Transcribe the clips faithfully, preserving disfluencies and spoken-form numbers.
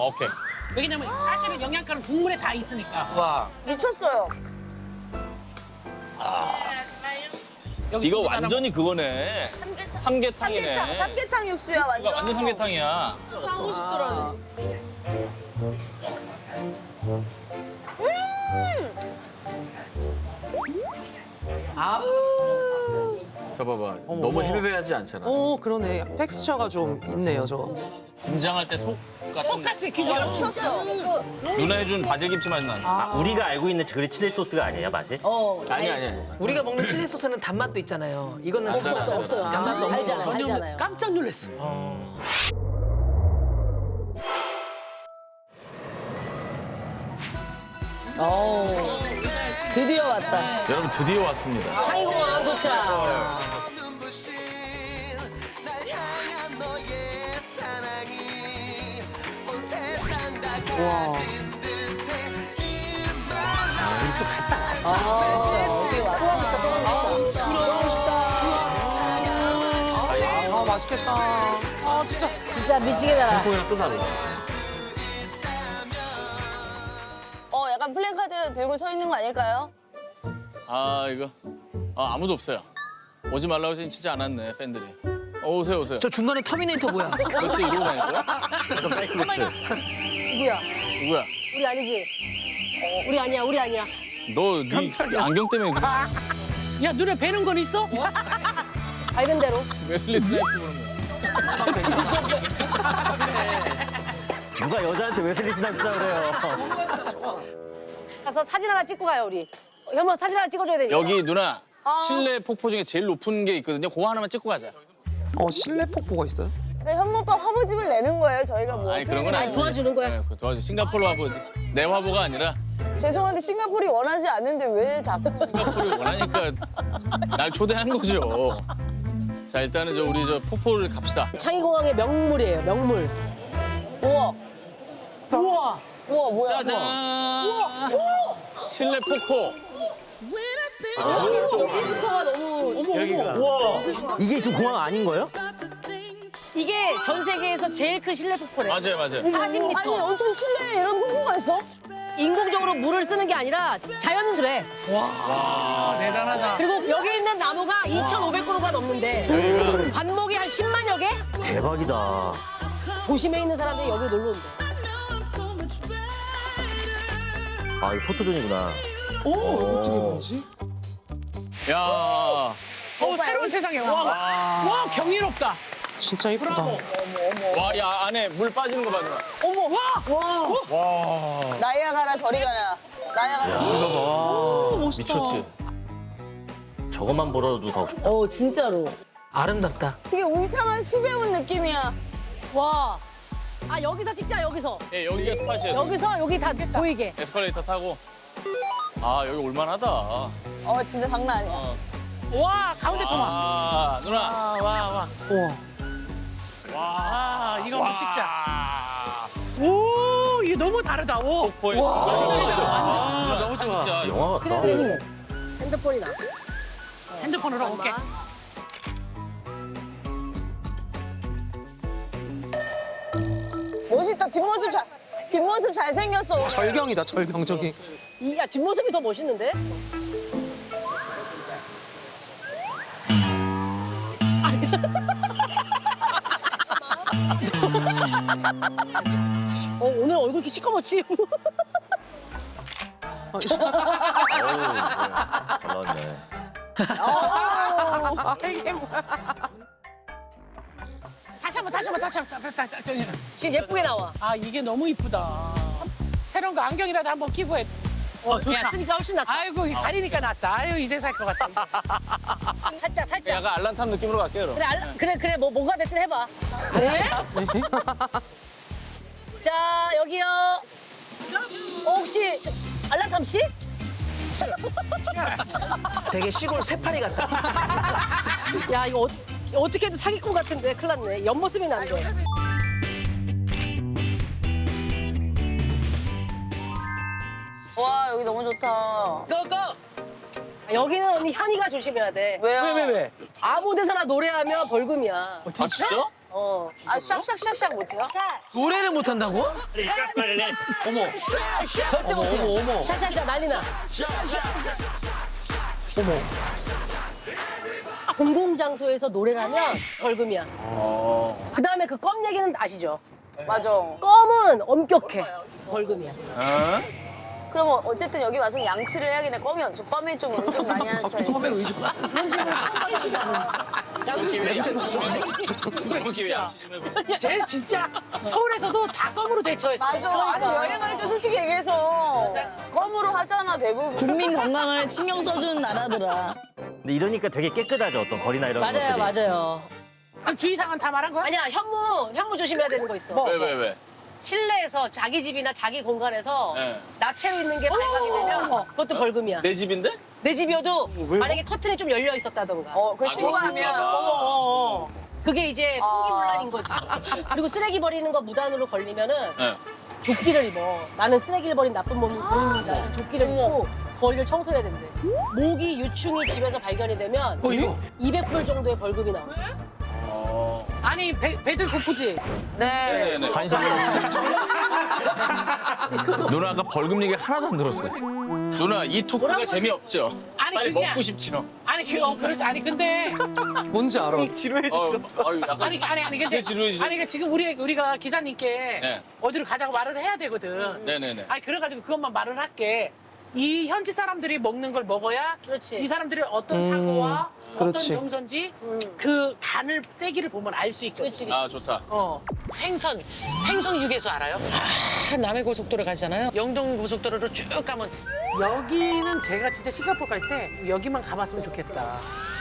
오케이. 왜냐면 사실은 영양가는 국물에 다 있으니까. 와. 미쳤어요. 여기 이거 국물 완전히 그거네. 삼계탕. 삼계탕이네. 삼계탕, 삼계탕 육수야 완전. 이거 완전 삼계탕이야. 하고 싶더라고. 저 봐봐. 너무 헤비하지 않잖아. 오 그러네. 텍스처가 좀 있네요 저거. 김장할 때 속 같은. 똑같이 기존 미쳤어. 누나 해준 바질김치 맛이 나네. 우리가 알고 있는 그 칠리 소스가 아니에요, 맛이? 어. 아니 아니. 우리가 먹는 칠리 소스는 단맛도 있잖아요. 이거는 없어, 없어, 없어요. 단맛도 없는 달잖아요. 거. 달잖아요. 깜짝 놀랐어. 어. 드디어 왔다. 여러분 드디어 왔습니다. 창의공항 도착. 와. 아, 진짜 어디 왔다. 아, 진짜. 들어가고 싶다. 아 맛있겠다. 아 진짜. 진짜 미치겠다. 콩이랑 또 달라. 어, 약간 플랜카드 들고 서 있는 거 아닐까요? 아 이거 아, 아무도 없어요. 오지 말라고 해서 진짜 안 왔네 팬들이. 어, 오세요 오세요. 저 중간에 터미네이터 뭐야? 벌써 이러고 다닐 거야? 누구야? 누구야? 우리 아니지? 우리 아니야, 우리 아니야. 너네 안경 때문에 그래. 야 눈에 뵈는 건 있어? 알던 대로. 웨슬리 스나이프 보는 거야. 누가 여자한테 웨슬리 스나이프라 그래요? 가서 사진 하나 찍고 가요, 우리. 현모 사진 하나 찍어줘야 되니까. 여기 누나 실내 폭포 중에 제일 높은 게 있거든요. 그거 하나만 찍고 가자. 어 실내 폭포가 있어요? 그러니까 현모가 화보집을 내는 거예요, 저희가 뭐. 아니 그런 건 어떻게- 아니고. 도와주는 거야? 네, 그거 도와줘. 싱가포르 화보지. 내 화보가 아니라 죄송한데 싱가포르이 원하지 않는데 왜 자꾸. 싱가포르 원하니까 날 초대한 거죠. 자 일단은 저 우리 저 폭포를 갑시다. 창의공항의 명물이에요, 명물. 우와. 우와! 우와, 뭐야. 짜잔. 실내 폭포. 여기부터가 너무. 우와! 이게 지금 공항 아닌 거예요? 이게 전 세계에서 제일 큰 실내 폭포래. 맞아요 맞아요. 사십 미터. 아니, 어떤 실내에 이런 폭포가 있어? 인공적으로 물을 쓰는 게 아니라 자연수래. 와 대단하다. 그리고 여기 있는 나무가 이천오백 그루가 넘는데 관목이 한 십만여 개? 대박이다. 도심에 있는 사람들이 여기 놀러 온대. 아, 이거 포토존이구나. 오 어떻게 보지? 야. 어 새로운 세상에 와. 와 경이롭다. 진짜 이쁘다. 와, 야 안에 물 빠지는 거 봐 누나. 어머 와. 나이아가라 저리 가라. 나이아가라. 오 멋있다. 미쳤지. 저것만 보러도 가고 싶다. 어, 진짜로. 아름답다. 되게 울창한 숲에 온 느낌이야. 와. 아 여기서 찍자 여기서. 예, 여기가 스팟이에요. 여기서 여기 다 보이게. 에스컬레이터 타고. 아 여기 올만하다. 어, 진짜 장난 아니야. 어. 와 가운데 토마. 아 누나. 와 와 와. 우와. 와 이거 한번 찍자. 아, 오 이거 너무 다르다. 오. 폭포에 완전 아, 너무 좋아. 진짜. 영화 그래 같다. 그래. 핸드폰이 나. 핸드폰으로 오케이. 멋있다. 뒷모습 잘, 뒷모습 잘생겼어. 오늘. 절경이다 절경 저기. 이 야 뒷모습이 더 멋있는데? 어 오늘 얼굴 이렇게 시커멓지? 어, 어우, 잘 나왔네. 아 이게 뭐야? 다시 한번 다시 한번 다시 한번 다시 한번, 다시 한번. 지금 예쁘게 나와. 아 이게 너무 이쁘다. 새로운 거 안경이라도 한번 끼고 해. 어 좋다. 야 쓰니까 훨씬 낫다. 아이고 이 가리니까 낫다. 아유 이제 살 것 같아. 살짝 살짝. 약간 알란탐 느낌으로 갈게요. 그럼. 그래 알라, 그래 그래 뭐 뭐가 됐든 해봐. 네? 자 여기요. 어, 혹시 저, 알라탐 씨? 되게 시골 쇠파리 같다. 야 이거 어, 어떻게 해도 사기꾼 같은데 큰일 났네. 옆모습이 난데. 와, 여기 너무 좋다. 고고. 여기는 언니 현이가 조심해야 돼. 왜요? 왜 왜 왜? 아무 데서나 노래하면 벌금이야. 아 진짜? 어. 아 샥샥샥샥 못해요? 노래를 못한다고? 어머. 절대 못해요. 어머, 어머. 샤샤샤 난리나. 어머. 공공장소에서 노래를 하면 벌금이야. 그 다음에 그 껌 얘기는 아시죠? 맞아. 껌은 엄격해. 벌금이야. 그럼 어쨌든 여기 와서 양치를 해야겠네. 껌이 저 껌이 좀 의존 많이 하는 스타일. 처음에 의존 같았어. 기회 양치 좀 해봐. 쟤 진짜 서울에서도 다 껌으로 대처했어. 맞아. 아니 여행 갈 때 솔직히 얘기해서 껌으로 하잖아 대부분. 국민 건강을 신경 써주는 나라더라. 근데 이러니까 되게 깨끗하죠. 어떤 거리나 이런 맞아요, 것들이. 맞아요. 그럼 주의사항은 다 말한 거야? 아니야, 현무, 현무 조심해야 되는 거 있어. 왜, 왜, 왜? 실내에서 자기 집이나 자기 공간에서 네. 나체로 있는 게 발각이 되면 그것도 벌금이야. 내 집인데? 내 집이어도 만약에 커튼이 좀 열려 있었다던가. 어, 그 아, 신고하면 그렇구나. 어, 어, 어. 그게 이제 아. 풍기문란인 거지. 그리고 쓰레기 버리는 거 무단으로 걸리면은 네. 조끼를 입어. 나는 쓰레기를 버린 나쁜 몸- 몸입니다. 조끼를 입고 거리를 청소해야 된대. 모기 유충이 집에서 발견이 되면 어, 이거? 이백 불 정도의 벌금이 나와. 아니 배, 배들 고프지? 네. 네네. 관심이 없어. 누나 아까 벌금 얘기 하나도 안 들었어요. 누나, 이 토크가 재미없죠? 아니, 빨리 그게 먹고 싶죠? 아니 그 어 그렇지 아니 근데 뭔지 알아. 어, 아유, 약간 아니 아니 아니 근데 진짜 지루해지죠? 아니 그 지금 우리 우리가 기사님께 네. 어디로 가자고 말을 해야 되거든. 네네네. 아니 그래가지고 그것만 말을 할게. 이 현지 사람들이 먹는 걸 먹어야 그렇지. 이 사람들이 어떤 사고와 어떤 그렇지. 정서인지 그 간을 세기를 보면 알 수 있거든. 그렇지. 아, 좋다. 어. 횡성, 횡성 휴게소 알아요? 아, 남해 고속도로 가잖아요. 영동 고속도로로 쭉 가면 여기는 제가 진짜 싱가포르 갈 때 여기만 가봤으면 좋겠다.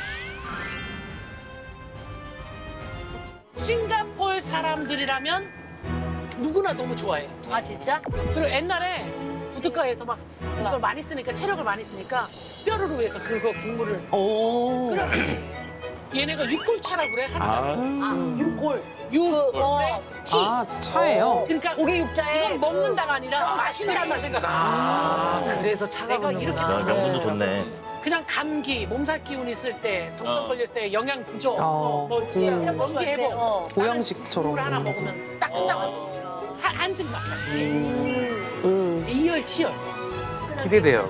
싱가포르 사람들이라면 누구나 너무 좋아해. 아 진짜? 그리고 옛날에 우드가에서 막 이걸 많이 쓰니까 체력을 많이 쓰니까 뼈를 위해서 그거 국물을 오. 그래. 얘네가 육골차라고 그래 한자. 아 육골. 육. 그, 어, 티. 아, 차예요? 그러니까 고기 육자에 이건 먹는다가 아니라 마신다는 생각. 아, 그래서 차가 내가 이렇게 야, 오는구나. 명분도 좋네. 그냥 감기, 몸살 기운 있을 때, 독감 어. 걸렸을 때, 영양 부족, 어. 뭐 진짜 음. 원기 회복. 어. 보양식처럼. 물 하나 먹으면 딱 끝나고 진짜. 한, 한 증 막. 음. 이열치열. 기대돼요.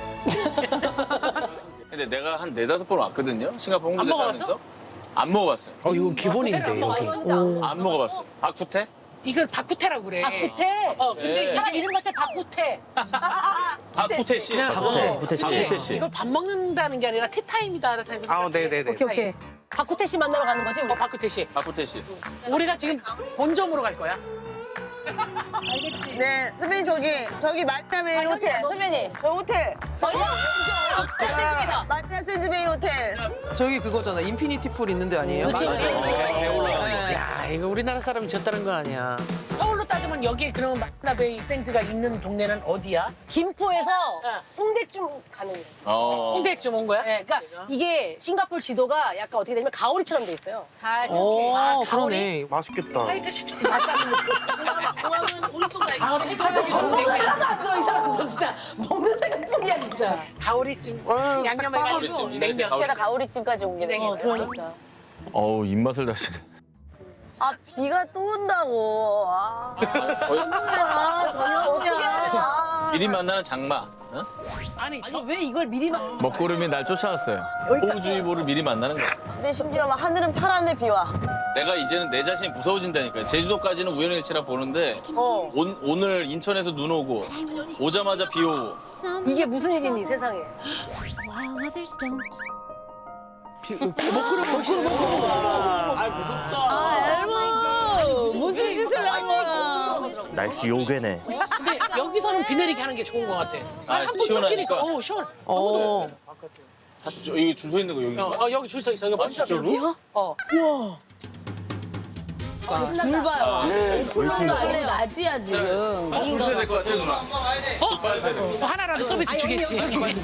근데 내가 한 네다섯 번 왔거든요? 싱가포르 안 홍보대 먹어봤어? 하면서. 안 먹어봤어요. 어, 이거 기본인데, 여기. 안 먹어봤어요. 바쿠테? 이걸 바쿠테라고 그래. 박구태. 어, 근데 네. 이게 사람 이름 같아 박구태. 바쿠테 씨. 박호태, 호태 씨. 이게 호태 씨. 이걸 밥 먹는다는 게 아니라 티타임이다. 아, 네네네. 오케이 오케이. 박구태 씨 만나러 가는 거지? 우리? 어, 바쿠테 씨. 바쿠테 씨. 우리가 지금 본점으로 갈 거야. 알겠지. 네, 선배님 저기 저기 마리나베이 호텔. 선배님 저 호텔. 저희야 센집이다. 마리나 샌즈베이 호텔. 저기 그거잖아. 인피니티 풀 있는 데 아니에요? 그치 그치 그치. 야, 이거 우리나라 사람이 졌다는 거 아니야. 서울로 따지면 여기 그러면 마리나베이 센즈가 있는 동네는 어디야? 김포에서 어. 홍대쯤 가는 거예요. 어. 홍대쯤 온 거야? 네, 그러니까 이게 싱가포르 지도가 약간 어떻게 되냐면 가오리처럼 돼 있어요. 살짝 오, 이렇게. 아, 그러네. 맛있겠다. 화이트 식초 맛있는 공항은 오른쪽 가 가오리 하여튼 정보가 하나도 안 들어 이 사람들 진짜 먹는 생각뿐이야 진짜. 가오리찜 어, 양념해가지고 가오리찜, 이 날씨에 냉면. 게다 가오리찜까지 온 게. 어 그러니까. 어우, 입맛을 다시네. 아 비가 또 온다고. 아, 아 어떻게 저녁이야. 하냐. 미리 만나는 장마. 어? 아니 저 아니 왜 이걸 미리 막? 먹구름이 날 쫓아왔어요. 호우주의보를 미리 만나는 거야. 근데 심지어 막 하늘은 파란데 비와. 내가 이제는 내 자신이 무서워진다니까. 제주도까지는 우연일치라 보는데 어 온, 오늘 인천에서 눈 오고 오자마자 비 오고 이게 무슨 일이니 세상에. while others don't. 아 엘모 무슨 짓을 한 거야. 날씨 요괴네. 근데 여기서는 비 내리게 하는 게 좋은 것 같아. 아, 한번 시원하니까. 뛰니까 어 시원. 어. 주, 여기 줄 서 있는 거 여기. 어, 어, 여기 줄 서 있어. 이거 아, 진짜로? 어. 줄 봐요. 너 원래 낮이야 지금. 줄 서야 될 것 같아 누나. 어? 뭐 하나라도 서비스 주겠지.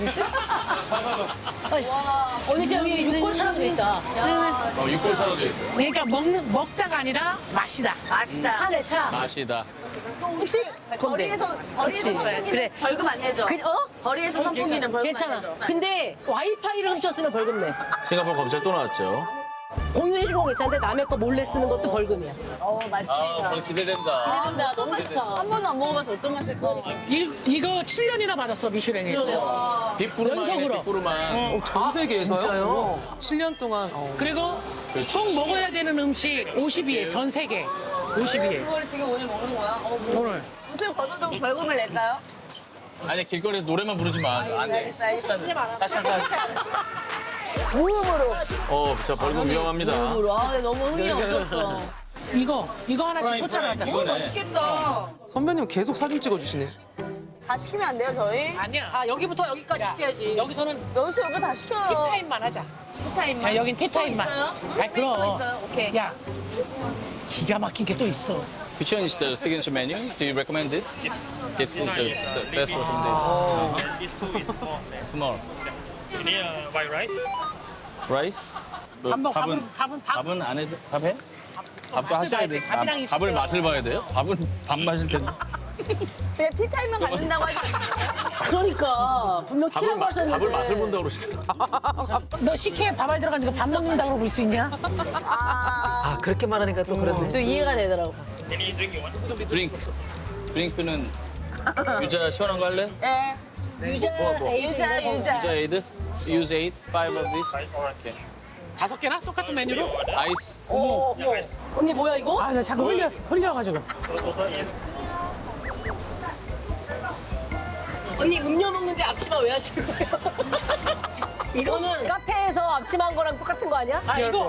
언니 저기 육골처럼 돼 있다. 어, 육골차로 돼 있어. 그러니까 먹는 먹다가 아니라 마시다. 맛있다. 차네 차. 맛이다. 혹시 거리에서 거리에서 선풍기는 그래. 벌금 안 내죠. 그, 어? 거리에서 선풍기는 벌금 안 괜찮아. 내죠. 근데 와이파이를 훔쳤으면 벌금 내. 싱가포르 검찰 또 나왔죠. 공유해주는 건 괜찮은데 남의 거 몰래 쓰는 것도 벌금이야. 어 아, 맛집이다. 벌 기대된다. 기대된다. 너무 맛있다. 한 번도 안 먹어봐서 어떤 맛일 거야? 이, 이거 칠 년이나 받았어 미슐랭에서. 빅부르만이네, 연속으로. 빅부르만. 전 세계에서요? 진짜요? 칠 년 동안. 어. 그리고 총 먹어야 되는 음식 오십 위에 전 세계 오십 위에. 그걸 지금 오늘 먹는 거야? 어, 뭐. 오늘 옷을 벗어도 벌금을 낼까요? 아니, 길거리에서 노래만 부르지 마. 안 돼. 알겠어, 알겠어. 사실, 사실. 무음으로. 어, 진짜 벌금 위험합니다. 무음으로. 아, 근데 너무 흥이 없었어. 이거 이거 하나씩 소짜하자. 이거네. 맛있겠다. 선배님 계속 사진 찍어주시네. 다 시키면 안 돼요, 저희? 아니야. 아 여기부터 여기까지 시켜야지. 여기서는 여기서 여기 다 시켜요. 티타임만 하자. 티타임만. 야, 여긴 티타임만. 또 있어요? 아, 그럼. 또 있어요? 오케이. 야, 기가 막힌 게 또 있어. Which one is the signature menu? Do you recommend this? This is the, the best recommendation. Small. Yeah, white rice. Rice? 뭐, 밥 먹- 밥은- 밥은 밥? 밥은 안 해도 밥해? 밥도 맛을 하셔야 봐야지. 돼. 밥이랑 밥, 있을 밥을 때요. 맛을 봐야 돼요? 밥은 밥 마실 텐데. 그냥 티타임만 갖는다고 하지 않았어요? 그러니까 분명 밥을, 티라고 마, 하셨는데. 밥을 맛을 본다고 그러시더라고요. 너 식혜에 밥 안 들어가니까 밥 먹는다고 그럴 수 있냐? 아, 그렇게 말하니까 또 그러네. 또 이해가 되더라고. Any drink you want? 드링크. 드링크는 유자 시원한 거 할래? 예. 유자 에이드 유자, 이런 거. 유자. 유자 에이드? Use eight, five of this. Alright. Okay. 다섯 개나? 똑같은 메뉴로? 아이스. 오, 언니 뭐야 이거? 아, 나 자꾸 흘려, 흘려가지고. 언니 음료 먹는데 앞치마 왜 하시는 거예요? 이거는 카페에서 앞치마한 거랑 똑같은 거 아니야? 아, 이거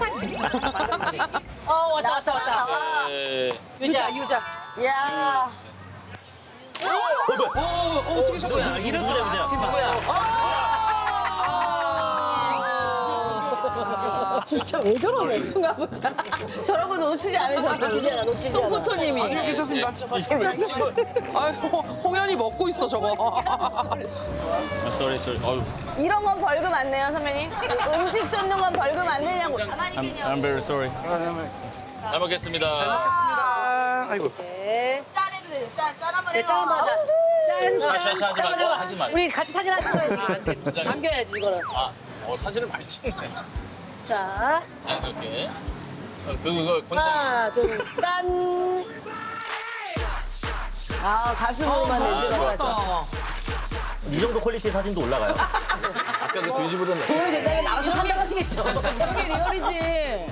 어 왔다 왔다 왔다. 에, 유자 유자. 야. 어, 어떻게 된 거야? 이름 누구야, 누구야? 진짜 왜 저러네? 순간 보자. 저런 거 놓치지 않으셨어요? 놓치지 않아 놓치지 않아. 송포토님이. 괜찮습니다. 이걸 왜 찍어? 아, 홍현이 먹고 있어, 저거. 아, sorry, sorry. 어휴. 이런 건 벌금 안 내요, 선배님? 음식 쏟는 건 벌금 안 내냐고. 가만히 I'm, 그냥. I'm very sorry. 잘 먹겠습니다. 아이고. 네. 짠해도 되죠? 짠, 짠 한번 네, 해봐. 짠 맞아. 짠. 샤샤샤 하지 말고 하지 말고. 우리 같이 사진 한 찍어야지. 굉장히- 남겨야지 이거는. 아, 어, 사진을 많이 찍네. 자 자연스럽게. 어, 그, 그거 권장. 하나 둘 짠. 아, 가슴으로만 내지 말았어. 어. 이 정도 퀄리티 사진도 올라가요? 아까 그 돼지보다 낫 도움이 된다면 나가서 판단하시겠죠. 이게 리얼이지.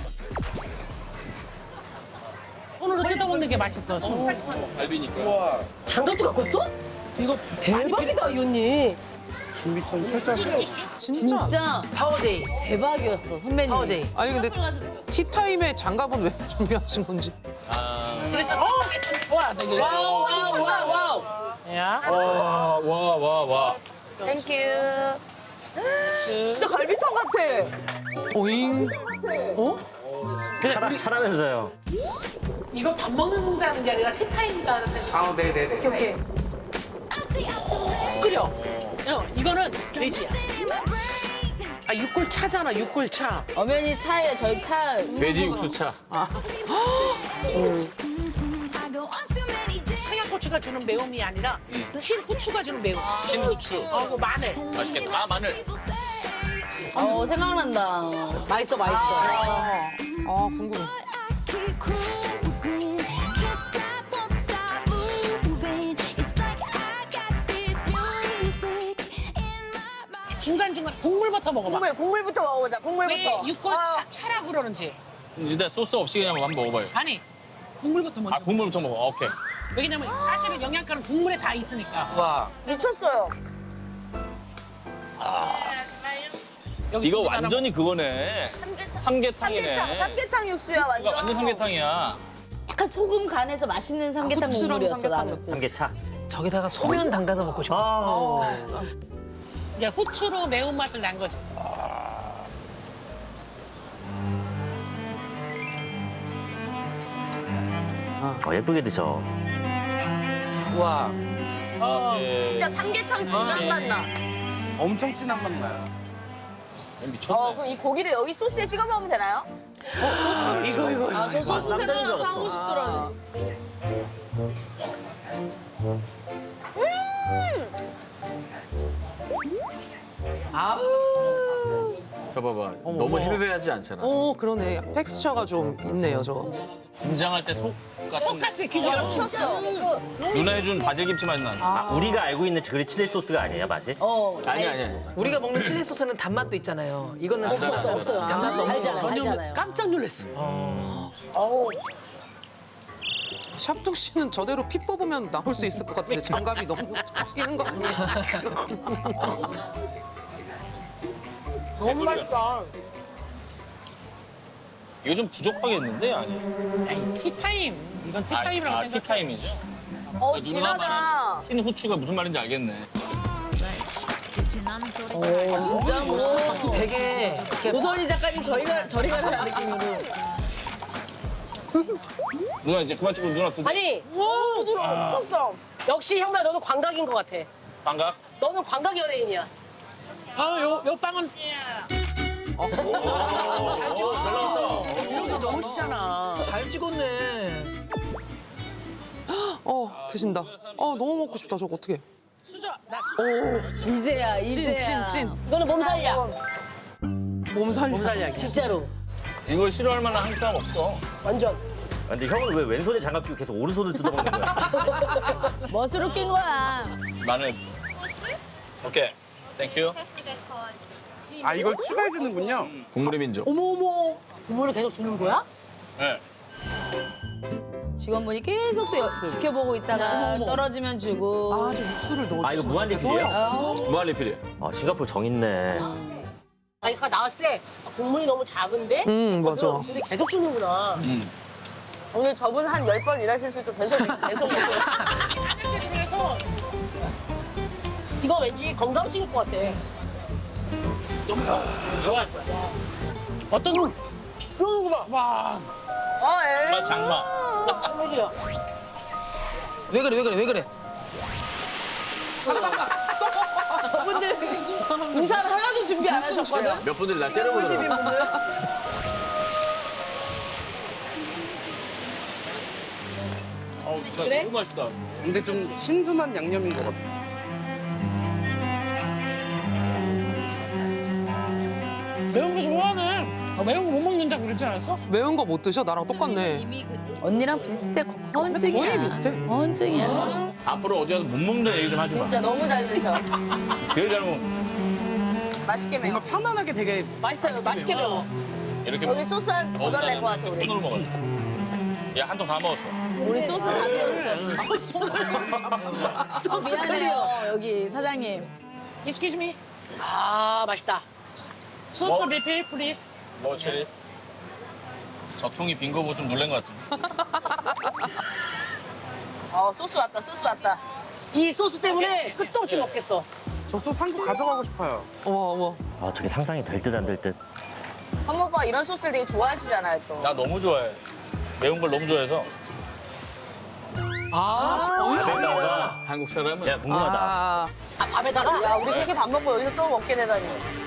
손으로 뜯어먹는 게 맛있어. 손. 갈비니까. 장갑도 갖고 왔어? 이거 대박이다 이 언니. 진짜. 진짜 파워제이. 대박이었어, 선배님. 파워제이. 아니, 근데 티타임에 장갑은 왜 준비하신 건지. 아, 그래서 와, 나 이거. 와우 와우 와우 와우. 야. 와, 와, 와, 와. 땡큐. 진짜 갈비탕 같아. 오잉. 어? 차라, 차라면서요. 이거 밥 먹는다는 게 아니라 티타임이다는 뜻. 아, 네네네. 오케이, 오케이. 끓여. 어, 이거는 돼지야. 아, 육골 차잖아, 육골 차. 어머니 차예요, 저희 차. 돼지 육수차. 청양고추가 주는 매움이 아니라 흰 후추가 주는 매움. 흰 후추. 어, 그 마늘. 맛있겠다. 아, 마늘. 어, 생각난다. 맛있어, 맛있어. 아, 궁금해. Keep cruising, can't stop, won't stop moving. It's like I got this music in my mind. 중간중간 국물부터 먹어봐. 국물, 국물부터 먹어보자, 국물부터. 왜 육골 아, 차, 차라고 그러는지. 일단 소스 없이 그냥 한번 먹어봐요. 아니, 국물부터 먼저. 아, 국물부터 먹어. 오케이. 왜냐면 사실은 영양가는 국물에 다 있으니까. 와. 미쳤어요. 여기 이거 국물 하나 완전히 그거네. 삼계탕. 삼계탕이네. 삼계탕, 삼계탕 육수야, 이거 완전. 완전 삼계탕이야. 약간 소금 간해서 맛있는 삼계탕 후추랑 국물이었어, 삼계탕 나는. 삼계차. 저기다가 소면 담가서 먹고 싶어. 아, 이제 후추로 매운맛을 난 거지. 어, 예쁘게 드셔. 와. 예. 진짜 삼계탕 진한 맛 나. 엄청 진한 맛 나요. 미쳤네. 어, 그럼 이 고기를 여기 소스에 찍어 먹으면 되나요? 이거, 이거. 아, 저 소스 쌈장인 줄 생각나서 알았어. 하고 싶더라고. 저 봐봐. 너무 헤베베하지 않잖아. 어 그러네. 텍스처가 좀 있네요 저. 김장할 때 속 같은 똑같이 기절. 쳤어. 누나 해준 바질김치 맛이 나는. 아, 우리가 알고 있는 그 칠리 소스가 아니에요, 맛이? 어. 아니 아니. 우리가 먹는 칠리 소스는 단맛도 있잖아요. 이거는 없어, 없어, 없어요. 단맛도 달잖아요, 없는 거. 달잖아요. 깜짝 놀랐어요. 어우. 샵둑 씨는 저대로 피 뽑으면 나올 수 있을 것 같은데 장갑이 너무 끼는 거 아니에요? 지금. 너무 맛있다. 이거 좀 부족하겠는데 아니? 에이, 티타임. 이건 아, 티타임이라고 아 생각. 티타임이죠? 어 누나 진하다. 말한 흰 후추가 무슨 말인지 알겠네. 진짜 뭐. 되게 이렇게 조선이 작가님 저희가 저리 가라는 느낌으로. 누나 이제 그만 찍고 누나 드 아니 부드러워. 엄청 써. 역시 형만 너는 광각인 것 같아. 반갑. 너는 광각 연예인이야. 아, 요, 요 빵은 잘 찍었어. 이런 거 너무 쉽잖아. 잘 찍었네. 어 드신다. 어 너무 먹고 싶다 저거 어떻게? 수저, 나 오 이제야 이제야. 찐 찐 찐. 이거는 몸살이야. 몸 살려. 몸살이야. 진짜로. 이걸 싫어할 만한 한 사람 없어. 완전. 아, 근데 형은 왜 왼손에 장갑 끼고 계속 오른손을 뜯어먹는 거야? 멋으로 낀 거야. 마늘. 오케이. 땡큐. 아 이걸 추가해 주는군요. 국물의 민족. 어머 어머. 국물을 계속 주는 거야? 네. 직원분이 계속 또 여- 지켜보고 있다가 떨어지면 주고. 아저 육수를 넣어. 아, 이거 무한리필이에요? 어. 무한리필이에요. 아, 싱가포르 정 있네. 아니 아까 나왔을 때 국물이 너무 작은데? 음 맞아. 근데 계속 주는구나. 음. 오늘 저분 한 열 번 일하실 수도 계속 계속 먹고. 그래서 이거 왠지 건강식일 것 같아. 좋아할 거야. 어떤 놈? 이런 거 봐. 와. 아 에. 엄마 장마. 깜짝이야. 왜 그래 왜 그래 왜 그래? 저분들 우산 하나도 준비 안 하셨거든. 몇 분들 나 째려보더라고. 어우, 진짜 그래? 너무 맛있다. 근데 좀 신선한 양념인 것 같아. 매운 거 좋아하네. 아, 매운 거 못 먹는다고 그러지 않았어? 매운 거 못 드셔? 나랑 똑같네. 언니랑 비슷해. 헌증이야. 거의 비슷해. 헌증이야. 앞으로 어디 가서 못 먹는 얘기 좀 하지 마. 진짜 너무 잘 드셔. 제일 잘 먹. 맛있게 매워. 뭔가 편안하게 되게 맛있어요. 맛있게 매워. 이렇게 여기 소스 한 먹. 더 달랠 것 같아 우리. 손으로 먹어. 얘한 통 다 먹었어. 우리 소스 다 비웠어. 소스 미안해요 여기 사장님. Excuse me. 아 맛있다. 소스 뭐? 리필, please. 뭐 체리? 저 통이 빈 거 보고 좀 놀란 것 같아. 어 소스 왔다 소스 왔다. 이 소스 때문에 끝도 없이 먹겠어. 저 소스 한 개 가져가고 싶어요. 어머 어머. 아, 저게 상상이 될 듯 안 될 듯. 한번 오빠 이런 소스를 되게 좋아하시잖아요 또. 나 너무 좋아해. 매운 걸 너무 좋아해서. 아 내가 한국 사람은 야, 궁금하다. 아 아 밥에다가 야 우리 그렇게 밥 먹고 여기서 또 먹게 되다니.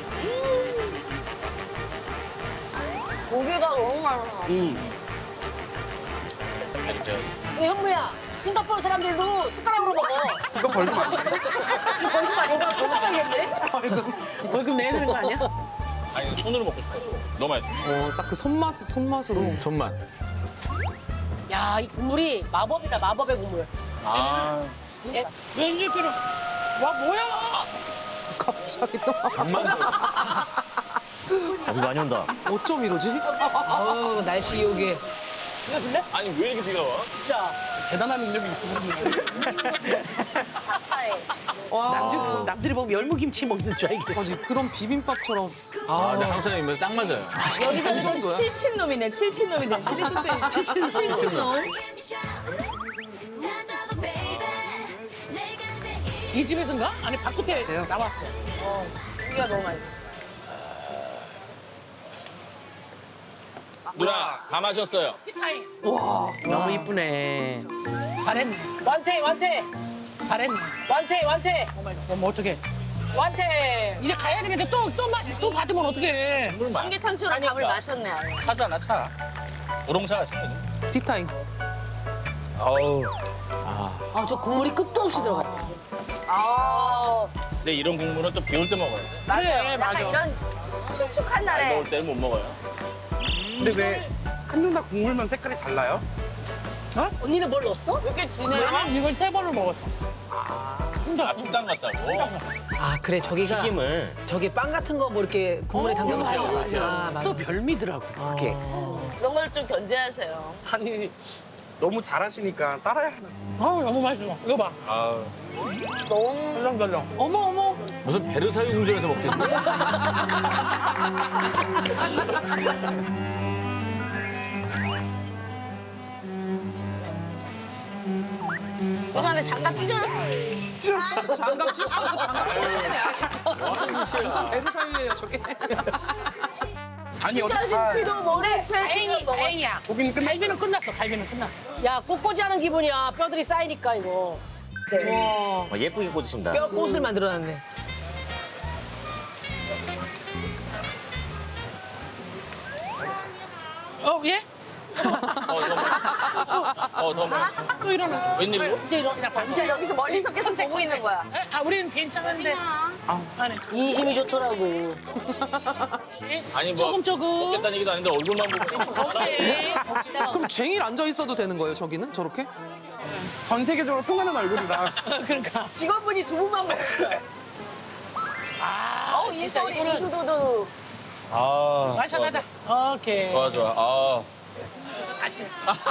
고기가 너무 많아. 이렇게. 이거 현무야. 싱가포르 사람들도 숟가락으로 먹어. 이거 벌금 안 돼? 이거 벌금 아닌가? 벌금 봐야겠네. 벌금 내야 되는 거 아니야? 아니 손으로 먹고 싶어. 너무 맛있어. 어, 딱 그 손맛 손맛으로. 손맛. 야, 이 국물이 마법이다. 마법의 국물. 아. 예? 왠지 필요. 와 뭐야? 갑자기 또 아, 비 많이 온다. 어쩜 이러지? 아우 날씨 요게. 이거 줄래? 아니 왜 이렇게 비가 와? 진짜. 대단한 능력이 있으셨는데. 차에. 와. 남들, 남들이 보면 열무김치 먹는 줄 알겠어. 아니 그런 비빔밥처럼. 아, 나 한국 사람 입맛에 딱 맞아요. 여기서는 칠친놈이네. 칠친놈이네. 칠리 소스에 칠친 칠친놈. 이 집에서인가? 아니 바깥에 나왔어. 고기가 너무 많이. 누나 다 마셨어요. 와. 너무 이쁘네. 잘했네. 완태, 완태. 잘했네. 완태, 완태. 어머 어떡해. 완태. 이제 가야 되는데 또또 마시 또 받으면 어떡해. 물 마. 삼계탕처럼 밥을 마셨네 아예. 차잖아 차. 우롱차가 생겨. 티타임. 아우. 아 저 국물이 끝도 없이 들어가. 아 근데 이런 국물은 또 비 올 때 먹어야 돼. 그래 약간 맞아. 이런 축축한 날 날에. 먹을 때는 못 먹어요. 근데 왜 한 누나 국물만 색깔이 달라요? 언니는 뭘 넣었어? 이렇게 진해요? 나는 이걸 세 번을 먹었어. 아, 퐁당 같다고? 아 그래 저기가 튀김을. 저기 빵 같은 거 뭐 이렇게 국물에 담겨놓죠. 아 맞아. 또 별미더라고 그게. 이런 걸 좀 견제하세요. 아니 너무 잘하시니까 따라야 하나. 아 너무 맛있어. 이거 봐. 아, 너무 덜렁덜렁. 어머 어머. 무슨 베르사유 궁전에서 먹겠네. 이거 안에 장갑 찢어졌어. 장갑 찢어서 장갑 찢어졌네. 무슨 배드 사유예요 저게. 아니 어디 찢어진지도 모른 채 지금 먹었어. 다행이야. 고기는 끝났어. 갈비는 끝났어. 갈비는 끝났어. 야 꽃꽂이 하는 기분이야. 뼈들이 쌓이니까 이거. 와. 아, 예쁘게 꽂으신다. 뼈 꽃을 만들어놨네. 어 예? 어, 더 먹어. 어, 더 먹어. 또 일어나. 웬일로? 이제 일어나. 그냥 반. 이제 여기서 멀리서 계속 보고 있는 거야. 에? 아 우리는 괜찮은데. 아 안해. 인심이 좋더라고. 아니 뭐 조금 조금. 먹겠다는 얘기도 아닌데 얼굴만 보고. 오케이. 그럼 쟁일 앉아 있어도 되는 거예요 저기는 저렇게? 전 세계적으로 통하는 얼굴이다. 그러니까. 직원분이 두 분만 먹었어요. 아 어, 이 소리 두두두두. 아, 마셔 좋아, 가자. 오케이. 좋아, 좋아. 아, 다시.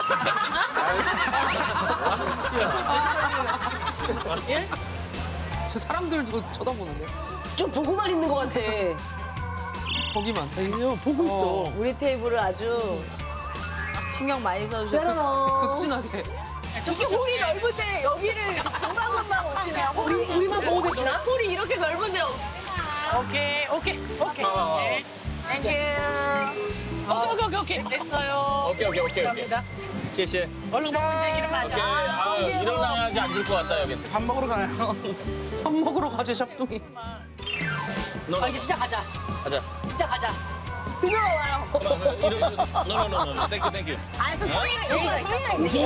예? 저 사람들도 쳐다보는데. 좀 보고만 있는 것 같아. 거기만. 이거 보고 있어. 우리 테이블을 아주 신경 많이 써주셨어요. 극진하게. 이게 홀이 넓은데 여기를 금방금방 오시네요. 홀이, 우리만 보고 계시나? 홀이 이렇게 넓은데. 오케이 오케이 오케이. 네. 땡큐. 오케이 오케이 오케이 됐어요. 오케이, 오케이, 오케이, 오케이. 감사합니다. 시시. 얼른 먹고 이제 오케이. 일어나자. 아, 일어나야지 앉을 것 같다, 여기. 밥 먹으러 가요. 밥 먹으러 가죠 샵둥이. 너, 아 이제 진짜 가자. 가자. 진짜 가자. 뜨거워요. 이런, 노노노노. 땡큐, 땡큐. 아, 또 소리가, 여기가 소리가 있지.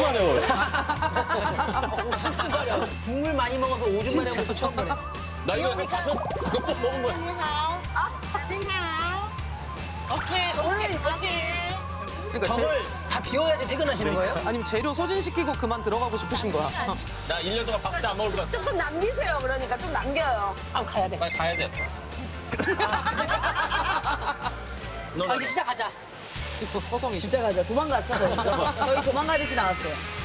말이야? 국물 많이 먹어서 오줌 마려 먹고 처음 보네. 나 이거 다섯, 다섯 번 먹은 거야. 오케이 오케이 오케이. 그러니까 재, 저걸 다 비워야지 퇴근하시는 거예요? 아니면 재료 소진시키고 그만 들어가고 싶으신 거야. 나 일 년 동안 밥도 안 먹을 것 같아. 조금 남기세요. 그러니까 좀 남겨요. 아 가야 돼. 빨리 가야 돼. 너, 아 이제 진짜 가자. 이거 서성이. 진짜 가자. 도망갔어. 저희 도망가듯이 나왔어요.